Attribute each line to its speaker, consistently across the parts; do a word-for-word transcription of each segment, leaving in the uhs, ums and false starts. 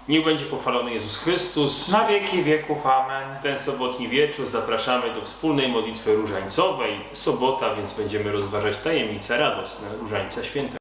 Speaker 1: Niech będzie pochwalony Jezus Chrystus.
Speaker 2: Na wieki wieków. Amen.
Speaker 1: W ten sobotni wieczór zapraszamy do wspólnej modlitwy różańcowej. Sobota, więc będziemy rozważać tajemnice radosne Różańca Świętego.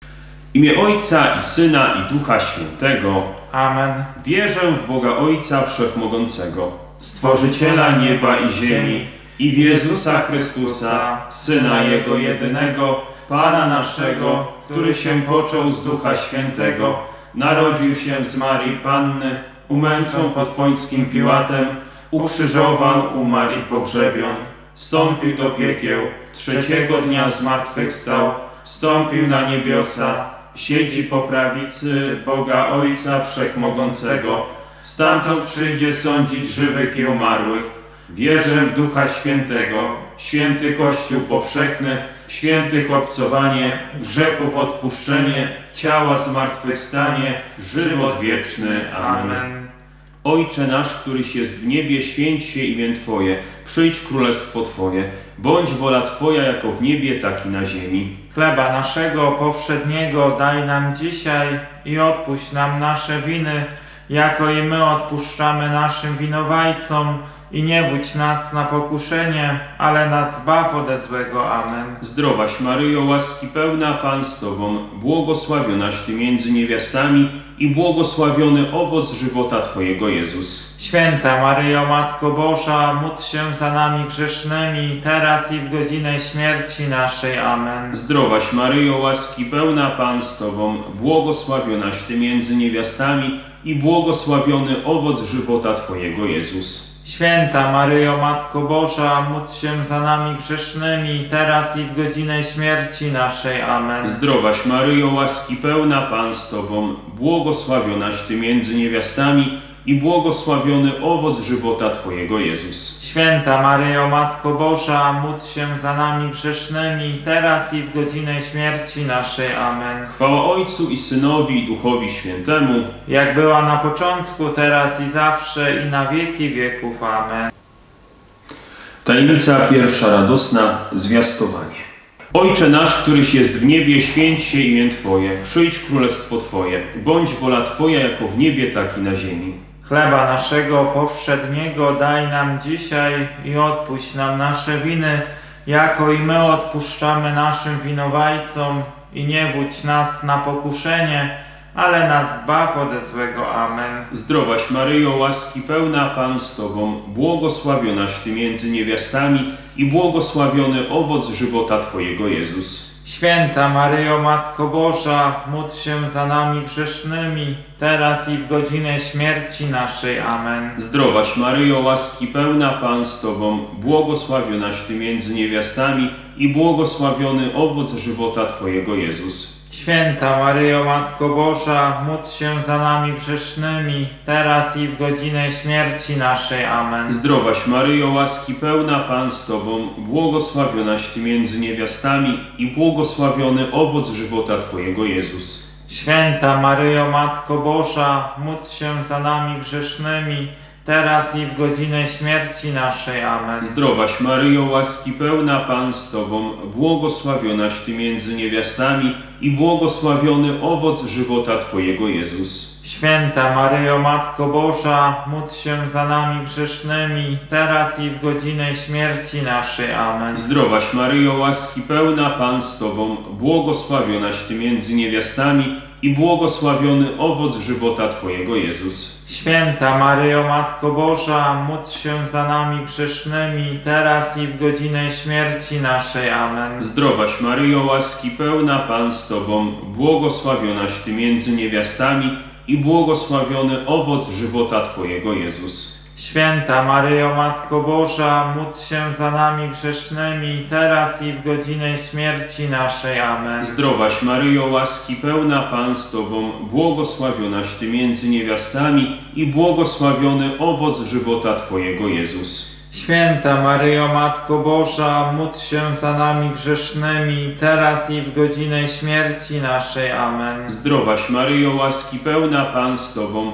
Speaker 1: W imię Ojca i Syna i Ducha Świętego.
Speaker 2: Amen.
Speaker 1: Wierzę w Boga Ojca Wszechmogącego, Stworzyciela nieba i ziemi, i w Jezusa Chrystusa, Syna Jego jedynego, Pana naszego, który się począł z Ducha Świętego, narodził się z Marii Panny, umęczon pod Pońskim Piłatem, ukrzyżowan, umarł i pogrzebion, wstąpił do piekieł, trzeciego dnia zmartwychwstał, wstąpił na niebiosa, siedzi po prawicy Boga Ojca Wszechmogącego, stamtąd przyjdzie sądzić żywych i umarłych. Wierzę w Ducha Świętego, święty Kościół powszechny, świętych obcowanie, grzechów odpuszczenie, ciała zmartwychwstanie, żywot wieczny. Amen. Ojcze nasz, któryś jest w niebie, święć się imię Twoje, przyjdź królestwo Twoje, bądź wola Twoja jako w niebie, tak i na ziemi.
Speaker 2: Chleba naszego powszedniego daj nam dzisiaj i odpuść nam nasze winy, jako i my odpuszczamy naszym winowajcom. I nie wódź nas na pokuszenie, ale nas zbaw ode złego. Amen.
Speaker 1: Zdrowaś Maryjo, łaski pełna, Pan z Tobą, błogosławionaś Ty między niewiastami i błogosławiony owoc żywota Twojego, Jezus.
Speaker 2: Święta Maryjo, Matko Boża, módl się za nami grzesznymi, teraz i w godzinę śmierci naszej. Amen.
Speaker 1: Zdrowaś Maryjo, łaski pełna, Pan z Tobą, błogosławionaś Ty między niewiastami i błogosławiony owoc żywota Twojego, Jezus.
Speaker 2: Święta Maryjo, Matko Boża, módl się za nami grzesznymi, teraz i w godzinę śmierci naszej. Amen.
Speaker 1: Zdrowaś Maryjo, łaski pełna, Pan z Tobą, błogosławionaś Ty między niewiastami i błogosławiony owoc żywota Twojego, Jezus.
Speaker 2: Święta Maryjo, Matko Boża, módl się za nami grzesznymi, teraz i w godzinę śmierci naszej. Amen.
Speaker 1: Chwała Ojcu i Synowi i Duchowi Świętemu,
Speaker 2: jak była na początku, teraz i zawsze, i na wieki wieków. Amen.
Speaker 1: Tajemnica pierwsza radosna, zwiastowanie. Ojcze nasz, któryś jest w niebie, święć się imię Twoje, przyjdź królestwo Twoje, bądź wola Twoja jako w niebie, tak i na ziemi.
Speaker 2: Chleba naszego powszedniego daj nam dzisiaj i odpuść nam nasze winy, jako i my odpuszczamy naszym winowajcom. I nie wódź nas na pokuszenie, ale nas zbaw ode złego. Amen.
Speaker 1: Zdrowaś Maryjo, łaski pełna, Pan z Tobą, błogosławionaś Ty między niewiastami i błogosławiony owoc żywota Twojego, Jezus.
Speaker 2: Święta Maryjo, Matko Boża, módl się za nami grzesznymi, teraz i w godzinę śmierci naszej. Amen.
Speaker 1: Zdrowaś Maryjo, łaski pełna, Pan z Tobą, błogosławionaś Ty między niewiastami i błogosławiony owoc żywota Twojego, Jezus.
Speaker 2: Święta Maryjo, Matko Boża, módl się za nami grzesznymi, teraz i w godzinę śmierci naszej. Amen.
Speaker 1: Zdrowaś Maryjo, łaski pełna, Pan z Tobą, błogosławionaś Ty między niewiastami i błogosławiony owoc żywota Twojego, Jezus.
Speaker 2: Święta Maryjo, Matko Boża, módl się za nami grzesznymi, teraz i w godzinę śmierci naszej. Amen.
Speaker 1: Zdrowaś Maryjo, łaski pełna, Pan z Tobą, błogosławionaś Ty między niewiastami i błogosławiony owoc żywota Twojego, Jezus.
Speaker 2: Święta Maryjo, Matko Boża, módl się za nami grzesznymi, teraz i w godzinę śmierci naszej. Amen.
Speaker 1: Zdrowaś Maryjo, łaski pełna, Pan z Tobą, błogosławionaś Ty między niewiastami i błogosławiony owoc żywota Twojego, Jezus.
Speaker 2: Święta Maryjo, Matko Boża, módl się za nami grzesznymi, teraz i w godzinę śmierci naszej. Amen.
Speaker 1: Zdrowaś Maryjo, łaski pełna, Pan z Tobą, błogosławionaś Ty między niewiastami i błogosławiony owoc żywota Twojego, Jezus.
Speaker 2: Święta Maryjo, Matko Boża, módl się za nami grzesznymi, teraz i w godzinę śmierci naszej. Amen.
Speaker 1: Zdrowaś Maryjo, łaski pełna, Pan z Tobą, błogosławionaś Ty między niewiastami i błogosławiony owoc żywota Twojego, Jezus.
Speaker 2: Święta Maryjo, Matko Boża, módl się za nami grzesznymi, teraz i w godzinę śmierci naszej. Amen.
Speaker 1: Zdrowaś Maryjo, łaski pełna, Pan z Tobą,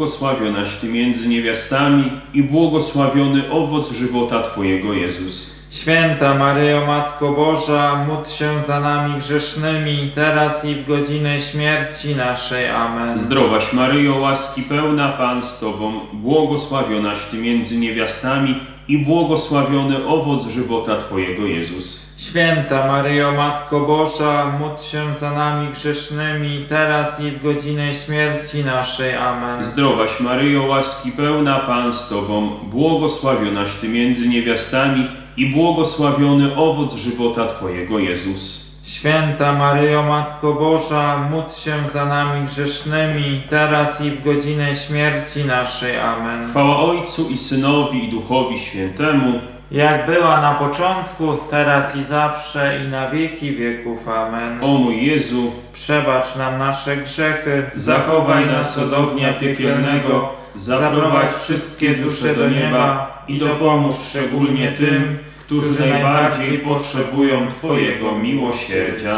Speaker 1: błogosławionaś Ty między niewiastami i błogosławiony owoc żywota Twojego, Jezus.
Speaker 2: Święta Maryjo, Matko Boża, módl się za nami grzesznymi, teraz i w godzinę śmierci naszej. Amen.
Speaker 1: Zdrowaś Maryjo, łaski pełna, Pan z Tobą, błogosławionaś Ty między niewiastami i błogosławiony owoc żywota Twojego, Jezus.
Speaker 2: Święta Maryjo, Matko Boża, módl się za nami grzesznymi, teraz i w godzinę śmierci naszej. Amen.
Speaker 1: Zdrowaś Maryjo, łaski pełna, Pan z Tobą, błogosławionaś Ty między niewiastami i błogosławiony owoc żywota Twojego, Jezus.
Speaker 2: Święta Maryjo, Matko Boża, módl się za nami grzesznymi, teraz i w godzinę śmierci naszej. Amen.
Speaker 1: Chwała Ojcu i Synowi i Duchowi Świętemu,
Speaker 2: Jak była na początku, teraz i zawsze, i na wieki wieków. Amen.
Speaker 1: o mój Jezu,
Speaker 2: Przebacz nam nasze grzechy,
Speaker 1: zachowaj nas od ognia piekielnego, zaprowadź wszystkie dusze do nieba i dopomóż szczególnie tym, którzy najbardziej potrzebują Twojego miłosierdzia.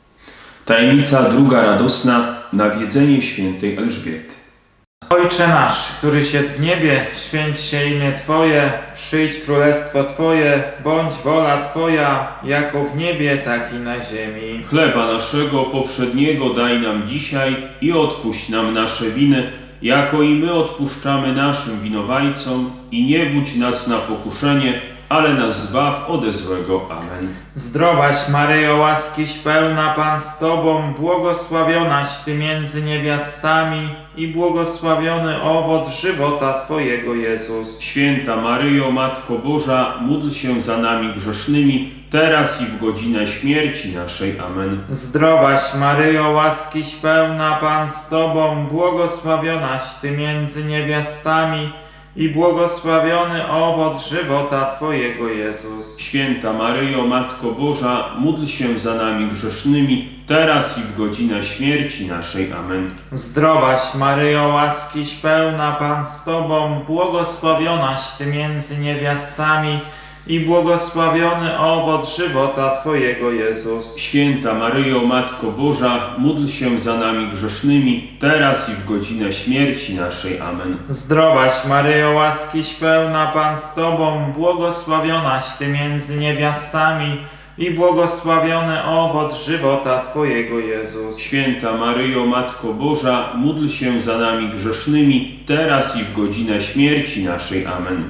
Speaker 1: Tajemnica druga radosna, nawiedzenie świętej Elżbiety.
Speaker 2: Ojcze nasz, któryś jest w niebie, święć się imię Twoje, przyjdź królestwo Twoje, bądź wola Twoja, jako w niebie, tak i na ziemi.
Speaker 1: Chleba naszego powszedniego daj nam dzisiaj i odpuść nam nasze winy, jako i my odpuszczamy naszym winowajcom, i nie wódź nas na pokuszenie, ale nas zbaw ode złego. Amen.
Speaker 2: Zdrowaś Maryjo, łaskiś pełna, Pan z Tobą, błogosławionaś Ty między niewiastami i błogosławiony owoc żywota Twojego, Jezus.
Speaker 1: Święta Maryjo, Matko Boża, módl się za nami grzesznymi, teraz i w godzinę śmierci naszej. Amen.
Speaker 2: Zdrowaś Maryjo, łaskiś pełna, Pan z Tobą, błogosławionaś Ty między niewiastami i błogosławiony owoc żywota Twojego, Jezus.
Speaker 1: Święta Maryjo, Matko Boża, módl się za nami grzesznymi, teraz i w godzinę śmierci naszej. Amen.
Speaker 2: Zdrowaś Maryjo, łaskiś pełna, Pan z Tobą, błogosławionaś Ty między niewiastami i błogosławiony owoc żywota Twojego, Jezus.
Speaker 1: Święta Maryjo, Matko Boża, módl się za nami grzesznymi, teraz i w godzinę śmierci naszej. Amen.
Speaker 2: Zdrowaś Maryjo, łaskiś pełna, Pan z Tobą, błogosławionaś Ty między niewiastami i błogosławiony owoc żywota Twojego, Jezus.
Speaker 1: Święta Maryjo, Matko Boża, módl się za nami grzesznymi, teraz i w godzinę śmierci naszej. Amen.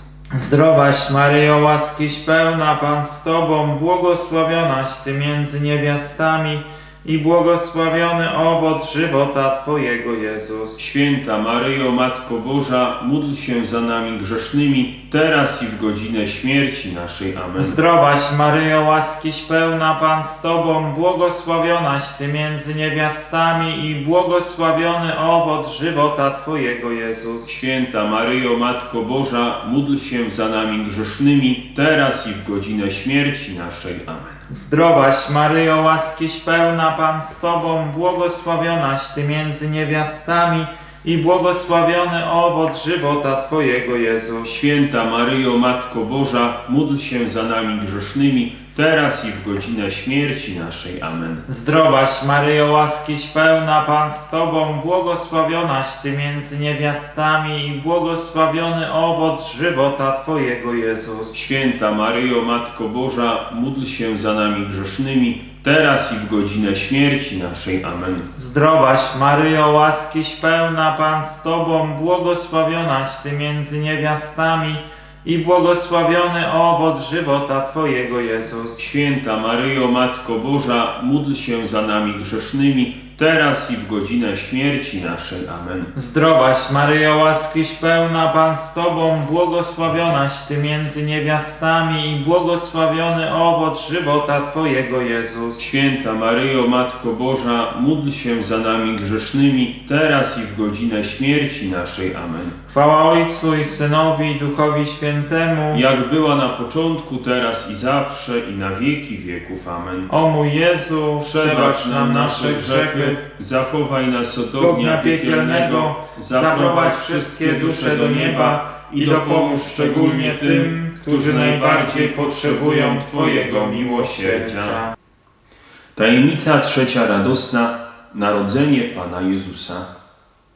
Speaker 2: Zdrowaś Maryjo, łaskiś pełna, Pan z Tobą, błogosławionaś Ty między niewiastami i błogosławiony owoc żywota Twojego, Jezus.
Speaker 1: Święta Maryjo, Matko Boża, módl się za nami grzesznymi, teraz i w godzinę śmierci naszej. Amen.
Speaker 2: Zdrowaś Maryjo, łaskiś pełna, Pan z Tobą, błogosławionaś Ty między niewiastami i błogosławiony owoc żywota Twojego, Jezus.
Speaker 1: Święta Maryjo, Matko Boża, módl się za nami grzesznymi, teraz i w godzinę śmierci naszej. Amen.
Speaker 2: Zdrowaś Maryjo, łaskiś pełna, Pan z Tobą, błogosławionaś Ty między niewiastami i błogosławiony owoc żywota Twojego, Jezus.
Speaker 1: Święta Maryjo, Matko Boża, módl się za nami grzesznymi, teraz i w godzinę śmierci naszej. Amen.
Speaker 2: Zdrowaś Maryjo, łaskiś pełna, Pan z Tobą, błogosławionaś Ty między niewiastami i błogosławiony owoc żywota Twojego, Jezus.
Speaker 1: Święta Maryjo, Matko Boża, módl się za nami grzesznymi, teraz i w godzinę śmierci naszej. Amen.
Speaker 2: Zdrowaś Maryjo, łaskiś pełna, Pan z Tobą, błogosławionaś Ty między niewiastami i błogosławiony owoc żywota Twojego, Jezus.
Speaker 1: Święta Maryjo, Matko Boża, módl się za nami grzesznymi, teraz i w godzinę śmierci naszej. Amen.
Speaker 2: Zdrowaś Maryjo, łaskiś pełna, Pan z Tobą, błogosławionaś Ty między niewiastami i błogosławiony owoc żywota Twojego, Jezus.
Speaker 1: Święta Maryjo, Matko Boża, módl się za nami grzesznymi, teraz i w godzinę śmierci naszej. Amen.
Speaker 2: Chwała Ojcu i Synowi i Duchowi Świętemu,
Speaker 1: Jak była na początku, teraz i zawsze, i na wieki wieków. Amen.
Speaker 2: o mój Jezu,
Speaker 1: Przebacz nam nasze grzechy, zachowaj nas od ognia piekielnego, zaprowadź wszystkie dusze do nieba i dopomóż szczególnie tym, którzy najbardziej potrzebują Twojego miłosierdzia. Tajemnica trzecia radosna, narodzenie Pana Jezusa.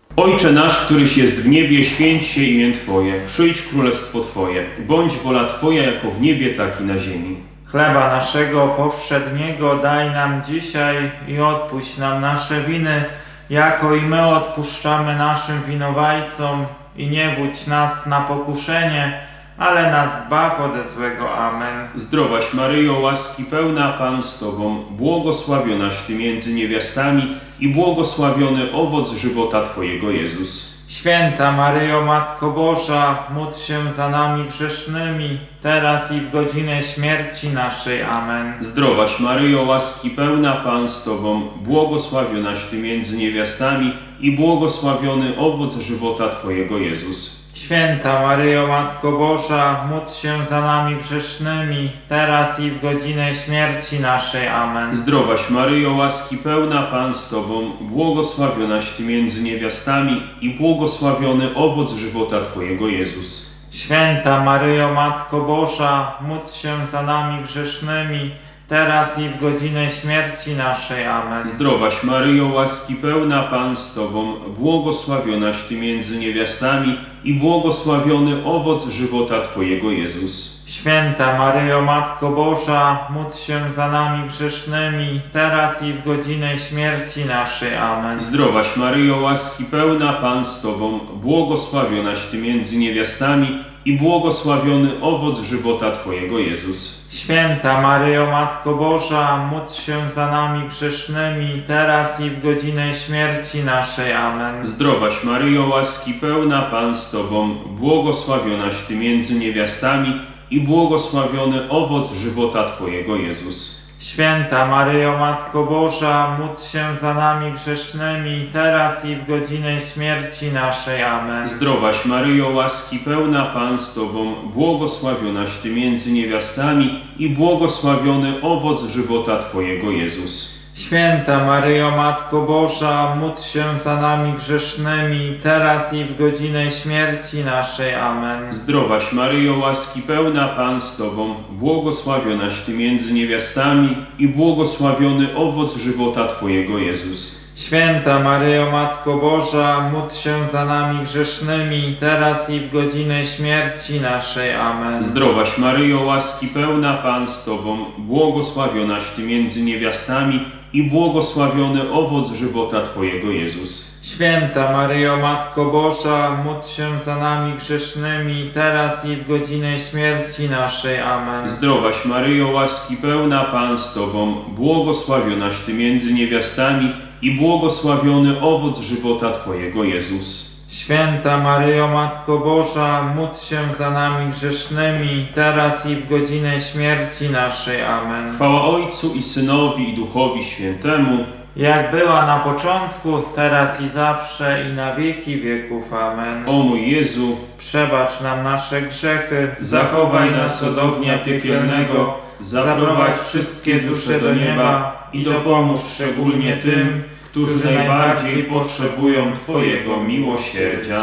Speaker 1: Ojcze nasz, któryś jest w niebie, święć się imię Twoje, przyjdź królestwo Twoje, bądź wola Twoja jako w niebie, tak i na ziemi.
Speaker 2: Chleba naszego powszedniego daj nam dzisiaj i odpuść nam nasze winy, jako i my odpuszczamy naszym winowajcom. I nie wódź nas na pokuszenie, ale nas zbaw ode złego. Amen.
Speaker 1: Zdrowaś Maryjo, łaski pełna, Pan z Tobą, błogosławionaś Ty między niewiastami i błogosławiony owoc żywota Twojego, Jezus.
Speaker 2: Święta Maryjo, Matko Boża, módl się za nami grzesznymi, teraz i w godzinę śmierci naszej. Amen.
Speaker 1: Zdrowaś Maryjo, łaski pełna, Pan z Tobą, błogosławionaś Ty między niewiastami i błogosławiony owoc żywota Twojego, Jezus.
Speaker 2: Święta Maryjo, Matko Boża, módl się za nami grzesznymi, teraz i w godzinę śmierci naszej. Amen.
Speaker 1: Zdrowaś Maryjo, łaski pełna, Pan z Tobą, błogosławionaś Ty między niewiastami i błogosławiony owoc żywota Twojego, Jezus.
Speaker 2: Święta Maryjo, Matko Boża, módl się za nami grzesznymi, teraz i w godzinę śmierci naszej. Amen.
Speaker 1: Zdrowaś Maryjo, łaski pełna, Pan z Tobą, błogosławionaś Ty między niewiastami i błogosławiony owoc żywota Twojego, Jezus.
Speaker 2: Święta Maryjo, Matko Boża, módl się za nami grzesznymi, teraz i w godzinę śmierci naszej. Amen.
Speaker 1: Zdrowaś Maryjo, łaski pełna, Pan z Tobą, błogosławionaś Ty między niewiastami i błogosławiony owoc żywota Twojego, Jezus.
Speaker 2: Święta Maryjo, Matko Boża, módl się za nami grzesznymi, teraz i w godzinę śmierci naszej. Amen.
Speaker 1: Zdrowaś Maryjo, łaski pełna, Pan z Tobą, błogosławionaś Ty między niewiastami i błogosławiony owoc żywota Twojego, Jezus.
Speaker 2: Święta Maryjo, Matko Boża, módl się za nami grzesznymi, teraz i w godzinę śmierci naszej. Amen.
Speaker 1: Zdrowaś Maryjo, łaski pełna, Pan z Tobą, błogosławionaś Ty między niewiastami i błogosławiony owoc żywota Twojego, Jezus.
Speaker 2: Święta Maryjo, Matko Boża, módl się za nami grzesznymi, teraz i w godzinę śmierci naszej. Amen.
Speaker 1: Zdrowaś Maryjo, łaski pełna, Pan z Tobą, błogosławionaś Ty między niewiastami i błogosławiony owoc żywota Twojego, Jezus.
Speaker 2: Święta Maryjo, Matko Boża, módl się za nami grzesznymi, teraz i w godzinę śmierci naszej. Amen.
Speaker 1: Zdrowaś Maryjo, łaski pełna, Pan z Tobą, błogosławionaś Ty między niewiastami i błogosławiony owoc żywota Twojego, Jezus.
Speaker 2: Święta Maryjo, Matko Boża, módl się za nami grzesznymi, teraz i w godzinę śmierci naszej. Amen.
Speaker 1: Zdrowaś Maryjo, łaski pełna, Pan z Tobą, błogosławionaś Ty między niewiastami i błogosławiony owoc żywota Twojego, Jezus.
Speaker 2: Święta Maryjo, Matko Boża, módl się za nami grzesznymi, teraz i w godzinę śmierci naszej. Amen.
Speaker 1: Chwała Ojcu i Synowi i Duchowi Świętemu,
Speaker 2: Jak była na początku, teraz i zawsze, i na wieki wieków. Amen.
Speaker 1: o mój Jezu,
Speaker 2: Przebacz nam nasze grzechy,
Speaker 1: zachowaj nas od ognia piekielnego, zaprowadź wszystkie dusze do nieba i dopomóż szczególnie tym, którzy najbardziej potrzebują Twojego miłosierdzia.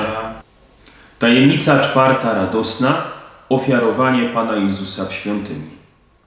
Speaker 1: Tajemnica czwarta radosna. Ofiarowanie Pana Jezusa w świątyni.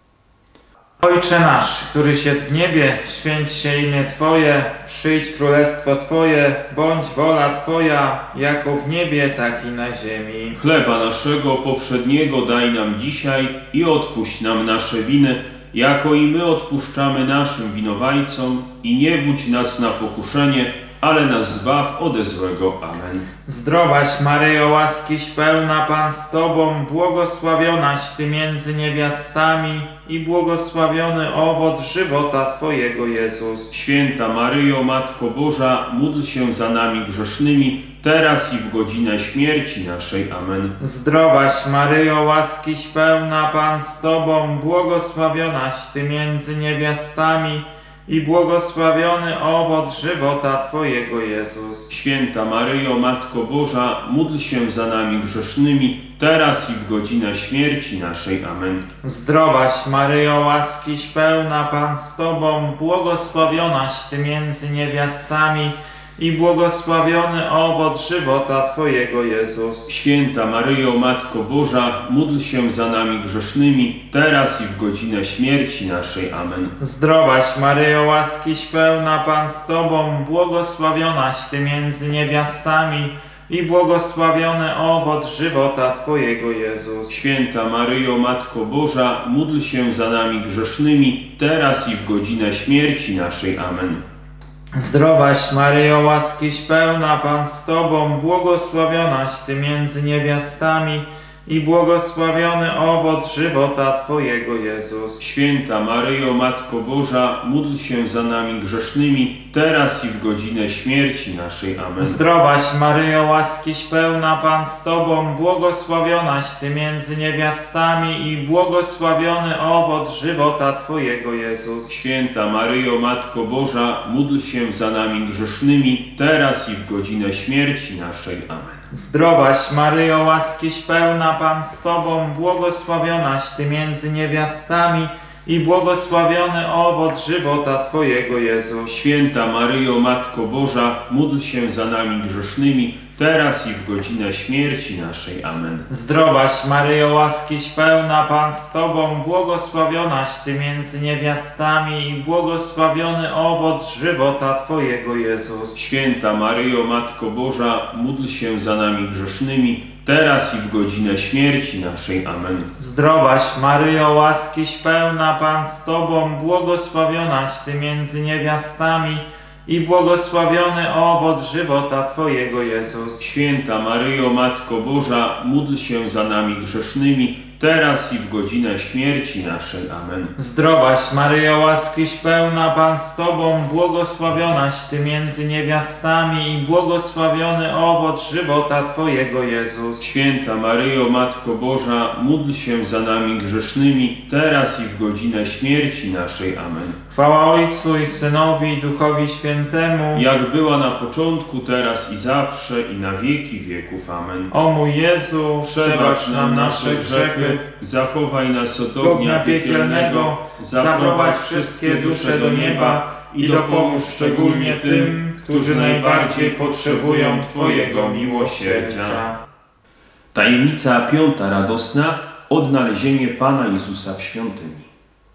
Speaker 2: Ojcze nasz, któryś jest w niebie, święć się imię Twoje, przyjdź królestwo Twoje, bądź wola Twoja, jako w niebie, tak i na ziemi.
Speaker 1: Chleba naszego powszedniego daj nam dzisiaj i odpuść nam nasze winy, jako i my odpuszczamy naszym winowajcom, i nie wódź nas na pokuszenie, ale nas zbaw ode złego. Amen.
Speaker 2: Zdrowaś Maryjo, łaskiś pełna, Pan z Tobą, błogosławionaś Ty między niewiastami i błogosławiony owoc żywota Twojego, Jezus.
Speaker 1: Święta Maryjo, Matko Boża, módl się za nami grzesznymi, teraz i w godzinę śmierci naszej. Amen.
Speaker 2: Zdrowaś Maryjo, łaskiś pełna, Pan z Tobą, błogosławionaś Ty między niewiastami i błogosławiony owoc żywota Twojego, Jezus.
Speaker 1: Święta Maryjo, Matko Boża, módl się za nami grzesznymi, teraz i w godzinę śmierci naszej. Amen.
Speaker 2: Zdrowaś Maryjo, łaskiś pełna, Pan z Tobą, błogosławionaś Ty między niewiastami i błogosławiony owoc żywota Twojego, Jezus.
Speaker 1: Święta Maryjo, Matko Boża, módl się za nami grzesznymi, teraz i w godzinę śmierci naszej. Amen.
Speaker 2: Zdrowaś Maryjo, łaskiś pełna, Pan z Tobą, błogosławionaś Ty między niewiastami i błogosławiony owoc żywota Twojego, Jezus.
Speaker 1: Święta Maryjo, Matko Boża, módl się za nami grzesznymi, teraz i w godzinę śmierci naszej. Amen.
Speaker 2: Zdrowaś Maryjo, łaskiś pełna, Pan z Tobą, błogosławionaś Ty między niewiastami i błogosławiony owoc żywota Twojego, Jezus.
Speaker 1: Święta Maryjo, Matko Boża, módl się za nami grzesznymi, teraz i w godzinę śmierci naszej. Amen.
Speaker 2: Zdrowaś Maryjo, łaskiś pełna, Pan z Tobą, błogosławionaś Ty między niewiastami i błogosławiony owoc żywota Twojego, Jezus.
Speaker 1: Święta Maryjo, Matko Boża, módl się za nami grzesznymi, teraz i w godzinę śmierci naszej. Amen.
Speaker 2: Zdrowaś Maryjo, łaskiś pełna, Pan z Tobą, błogosławionaś Ty między niewiastami i błogosławiony owoc żywota Twojego, Jezus.
Speaker 1: Święta Maryjo, Matko Boża, módl się za nami grzesznymi, teraz i w godzinę śmierci naszej. Amen.
Speaker 2: Zdrowaś Maryjo, łaskiś pełna, Pan z Tobą, błogosławionaś Ty między niewiastami i błogosławiony owoc żywota Twojego, Jezus.
Speaker 1: Święta Maryjo, Matko Boża, módl się za nami grzesznymi, teraz i w godzinę śmierci naszej. Amen.
Speaker 2: Zdrowaś Maryjo, łaskiś pełna, Pan z Tobą, błogosławionaś Ty między niewiastami i błogosławiony owoc żywota Twojego, Jezus.
Speaker 1: Święta Maryjo, Matko Boża, módl się za nami grzesznymi, teraz i w godzinę śmierci naszej. Amen.
Speaker 2: Zdrowaś Maryjo, łaskiś pełna, Pan z Tobą, błogosławionaś Ty między niewiastami i błogosławiony owoc żywota Twojego, Jezus.
Speaker 1: Święta Maryjo, Matko Boża, módl się za nami grzesznymi, teraz i w godzinę śmierci naszej. Amen.
Speaker 2: Chwała Ojcu i Synowi i Duchowi Świętemu,
Speaker 1: Jak była na początku, teraz i zawsze, i na wieki wieków. Amen.
Speaker 2: o mój Jezu,
Speaker 1: Przebacz nam nasze grzechy, zachowaj nas od ognia piekielnego, zaprowadź wszystkie dusze do nieba i dopomóż szczególnie tym, którzy najbardziej potrzebują Twojego miłosierdzia. Tajemnica piąta radosna – odnalezienie Pana Jezusa w świątyni.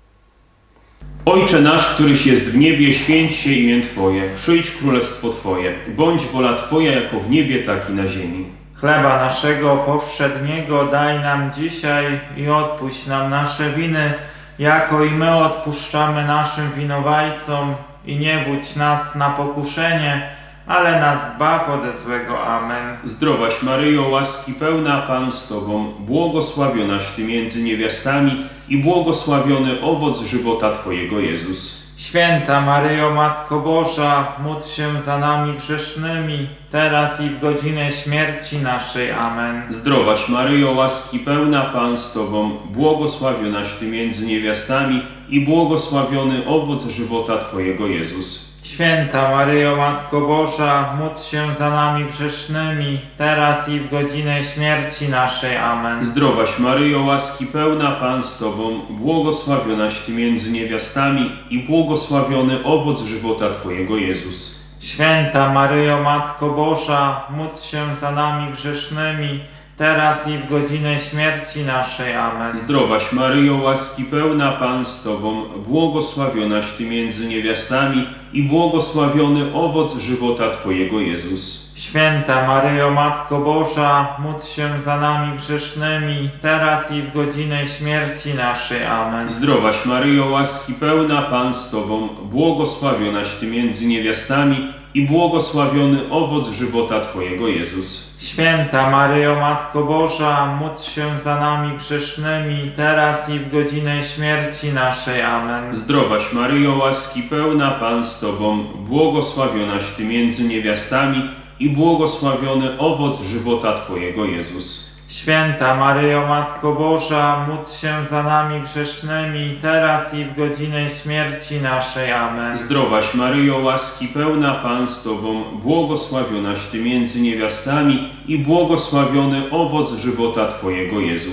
Speaker 1: Ojcze nasz, któryś jest w niebie, święć się imię Twoje, przyjdź królestwo Twoje, bądź wola Twoja jako w niebie, tak i na ziemi.
Speaker 2: Chleba naszego powszedniego daj nam dzisiaj i odpuść nam nasze winy, jako i my odpuszczamy naszym winowajcom, i nie wódź nas na pokuszenie, ale nas zbaw ode złego. Amen.
Speaker 1: Zdrowaś Maryjo, łaski pełna, Pan z Tobą, błogosławionaś Ty między niewiastami i błogosławiony owoc żywota Twojego, Jezus.
Speaker 2: Święta Maryjo, Matko Boża, módl się za nami grzesznymi, teraz i w godzinę śmierci naszej. Amen.
Speaker 1: Zdrowaś Maryjo, łaski pełna, Pan z Tobą, błogosławionaś Ty między niewiastami i błogosławiony owoc żywota Twojego, Jezus.
Speaker 2: Święta Maryjo, Matko Boża, módl się za nami grzesznymi, teraz i w godzinę śmierci naszej. Amen.
Speaker 1: Zdrowaś Maryjo, łaski pełna, Pan z Tobą, błogosławionaś Ty między niewiastami i błogosławiony owoc żywota Twojego, Jezus.
Speaker 2: Święta Maryjo, Matko Boża, módl się za nami grzesznymi, teraz i w godzinę śmierci naszej. Amen.
Speaker 1: Zdrowaś Maryjo, łaski pełna, Pan z Tobą, błogosławionaś Ty między niewiastami i błogosławiony owoc żywota Twojego, Jezus.
Speaker 2: Święta Maryjo, Matko Boża, módl się za nami grzesznymi, teraz i w godzinę śmierci naszej. Amen.
Speaker 1: Zdrowaś Maryjo, łaski pełna, Pan z Tobą, błogosławionaś Ty między niewiastami i błogosławiony owoc żywota Twojego, Jezus.
Speaker 2: Święta Maryjo, Matko Boża, módl się za nami grzesznymi, teraz i w godzinę śmierci naszej. Amen.
Speaker 1: Zdrowaś Maryjo, łaski pełna, Pan z Tobą, błogosławionaś Ty między niewiastami i błogosławiony owoc żywota Twojego, Jezus.
Speaker 2: Święta Maryjo, Matko Boża, módl się za nami grzesznymi, teraz i w godzinę śmierci naszej. Amen.
Speaker 1: Zdrowaś Maryjo, łaski pełna, Pan z Tobą, błogosławionaś Ty między niewiastami i błogosławiony owoc żywota Twojego, Jezus.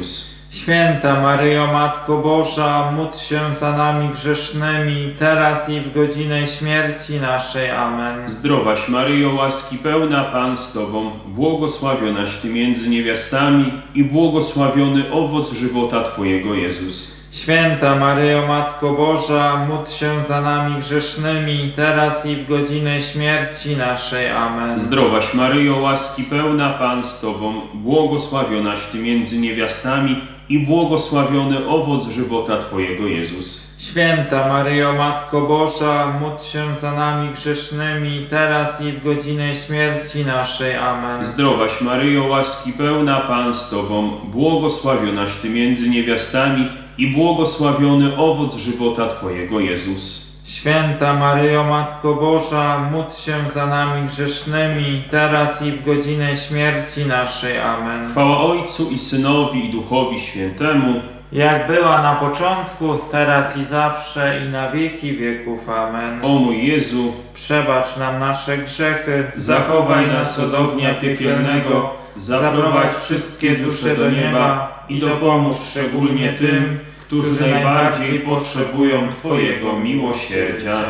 Speaker 2: Święta Maryjo, Matko Boża, módl się za nami grzesznymi, teraz i w godzinę śmierci naszej. Amen.
Speaker 1: Zdrowaś Maryjo, łaski pełna, Pan z Tobą, błogosławionaś Ty między niewiastami i błogosławiony owoc żywota Twojego, Jezus.
Speaker 2: Święta Maryjo, Matko Boża, módl się za nami grzesznymi, teraz i w godzinę śmierci naszej. Amen.
Speaker 1: Zdrowaś Maryjo, łaski pełna, Pan z Tobą, błogosławionaś Ty między niewiastami i błogosławiony owoc żywota Twojego, Jezus.
Speaker 2: Święta Maryjo, Matko Boża, módl się za nami grzesznymi, teraz i w godzinę śmierci naszej. Amen.
Speaker 1: Zdrowaś Maryjo, łaski pełna, Pan z Tobą, błogosławionaś Ty między niewiastami i błogosławiony owoc żywota Twojego, Jezus.
Speaker 2: Święta Maryjo, Matko Boża, módl się za nami grzesznymi, teraz i w godzinę śmierci naszej. Amen.
Speaker 1: Chwała Ojcu i Synowi i Duchowi Świętemu,
Speaker 2: Jak była na początku, teraz i zawsze, i na wieki wieków. Amen.
Speaker 1: o mój Jezu,
Speaker 2: Przebacz nam nasze grzechy,
Speaker 1: zachowaj nas od ognia piekielnego, zaprowadź wszystkie dusze do nieba i dopomóż szczególnie tym, którzy najbardziej potrzebują Twojego miłosierdzia.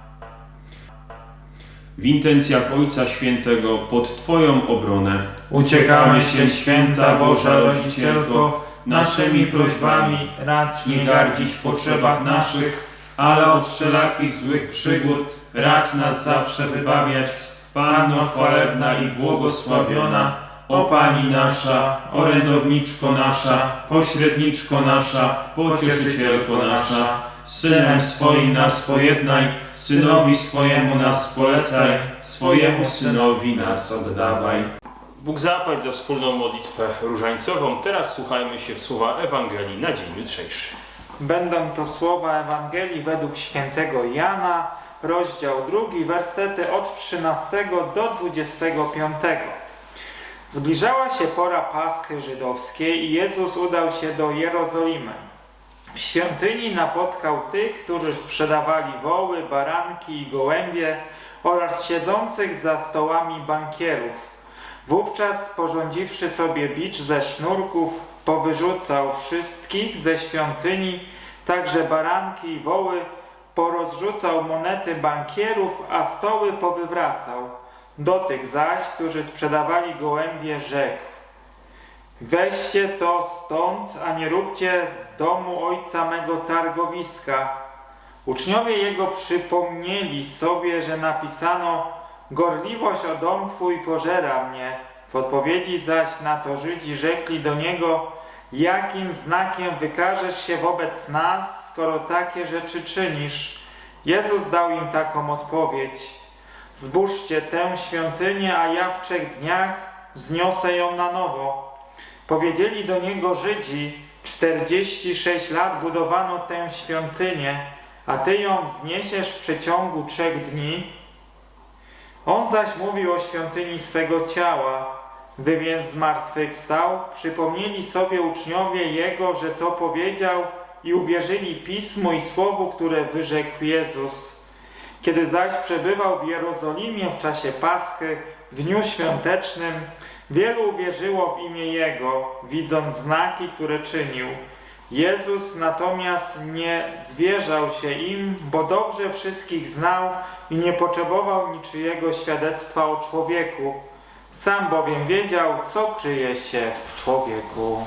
Speaker 1: W intencjach Ojca Świętego pod Twoją obronę
Speaker 2: Uciekamy się, Święta Boża Rodzicielko, naszymi prośbami racz nie gardzić w potrzebach naszych, ale od wszelakich złych przygód racz nas zawsze wybawiać.
Speaker 1: Panno chwalebna i błogosławiona, o Pani nasza, orędowniczko nasza, pośredniczko nasza, pocieszycielko nasza, z Synem swoim nas pojednaj, Synowi swojemu nas polecaj, swojemu Synowi nas oddawaj. Bóg zapłać za wspólną modlitwę różańcową. Teraz słuchajmy się w słowa Ewangelii na dzień jutrzejszy.
Speaker 2: Będą to słowa Ewangelii według świętego Jana, rozdział drugi, wersety od trzynastego do dwudziestego piątego. Zbliżała się pora Paschy żydowskiej i Jezus udał się do Jerozolimy. W świątyni napotkał tych, którzy sprzedawali woły, baranki i gołębie oraz siedzących za stołami bankierów. Wówczas, sporządziwszy sobie bicz ze sznurków, powyrzucał wszystkich ze świątyni, także baranki i woły, porozrzucał monety bankierów, a stoły powywracał. Do tych zaś, którzy sprzedawali gołębie, rzekł: weźcie to stąd, a nie róbcie z domu ojca mego targowiska. Uczniowie jego przypomnieli sobie, że napisano: gorliwość o dom Twój pożera mnie. W odpowiedzi zaś na to Żydzi rzekli do niego: jakim znakiem wykażesz się wobec nas, skoro takie rzeczy czynisz? Jezus dał im taką odpowiedź: zbóżcie tę świątynię, a ja w trzech dniach wzniosę ją na nowo. Powiedzieli do niego Żydzi: czterdzieści sześć lat budowano tę świątynię, a Ty ją wzniesiesz w przeciągu trzech dni? On zaś mówił o świątyni swego ciała. Gdy więc zmartwychwstał, przypomnieli sobie uczniowie Jego, że to powiedział, i uwierzyli Pismu i Słowu, które wyrzekł Jezus. Kiedy zaś przebywał w Jerozolimie w czasie Paschy, w dniu świątecznym, wielu uwierzyło w imię Jego, widząc znaki, które czynił. Jezus natomiast nie zwierzał się im, bo dobrze wszystkich znał i nie potrzebował niczyjego świadectwa o człowieku. Sam bowiem wiedział, co kryje się w człowieku.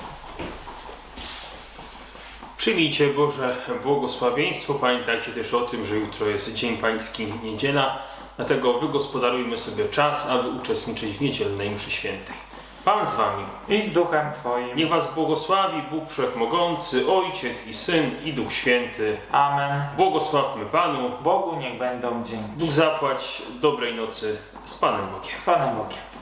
Speaker 1: Przyjmijcie Boże błogosławieństwo. Pamiętajcie też o tym, że jutro jest Dzień Pański, niedziela. Dlatego wygospodarujmy sobie czas, aby uczestniczyć w niedzielnej mszy świętej. Pan z Wami
Speaker 2: I z duchem Twoim.
Speaker 1: Niech Was błogosławi Bóg Wszechmogący, Ojciec i Syn i Duch Święty.
Speaker 2: Amen.
Speaker 1: Błogosławmy Panu.
Speaker 2: Bogu niech będą dzięki.
Speaker 1: Bóg zapłać. Dobrej nocy z Panem Bogiem.
Speaker 2: Z Panem Bogiem.